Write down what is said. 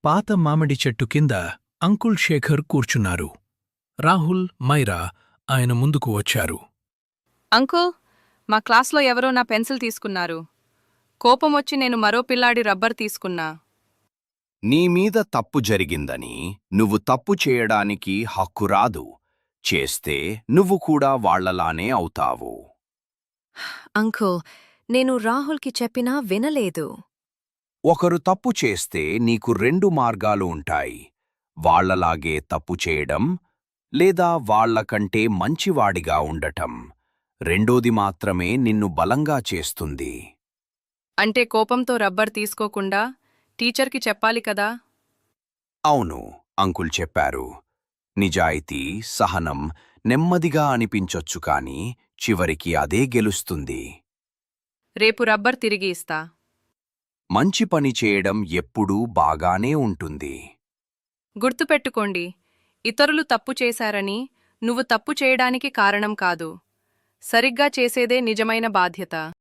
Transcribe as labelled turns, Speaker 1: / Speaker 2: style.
Speaker 1: పాత మామిడి చెట్టు కింద అంకుల్ శేఖర్ కూర్చున్నారు. రాహుల్, మైరా ఆయన ముందుకు వచ్చారు.
Speaker 2: అంకుల్, మా క్లాస్లో ఎవరో నా పెన్సిల్ తీసుకున్నారు. కోపమొచ్చి నేను మరో పిల్లాడి రబ్బర్ తీసుకున్నా.
Speaker 3: నీమీద తప్పు జరిగిందని నువ్వు తప్పు చేయడానికి హక్కు రాదు. చేస్తే నువ్వు కూడా వాళ్లలానే అవుతావు.
Speaker 4: అంకుల్, నేను రాహుల్కి చెప్పినా వినలేదు.
Speaker 3: ఒకరు తప్పు చేస్తే నీకు 2 మార్గాలు ఉంటాయి. వాళ్లలాగే తప్పు చేయడం, లేదా వాళ్లకంటే మంచివాడిగా ఉండటం. రెండోది మాత్రమే నిన్ను బలంగా చేస్తుంది.
Speaker 2: అంటే కోపంతో రబ్బర్ తీసుకోకుండా టీచర్కి చెప్పాలి కదా?
Speaker 3: అవును, అంకుల్ చెప్పారు. నిజాయితీ, సహనం నెమ్మదిగా అనిపించొచ్చు కాని చివరికి అదే గెలుస్తుంది.
Speaker 2: రేపు రబ్బర్ తిరిగి ఇస్తా.
Speaker 3: మంచి పని చేయడం ఎప్పుడూ బాగానే ఉంటుంది.
Speaker 2: గుర్తుపెట్టుకోండి, ఇతరులు తప్పు చేశారని నువ్వు తప్పు చేయడానికి కారణం కాదు. సరిగ్గా చేసేదే నిజమైన బాధ్యత.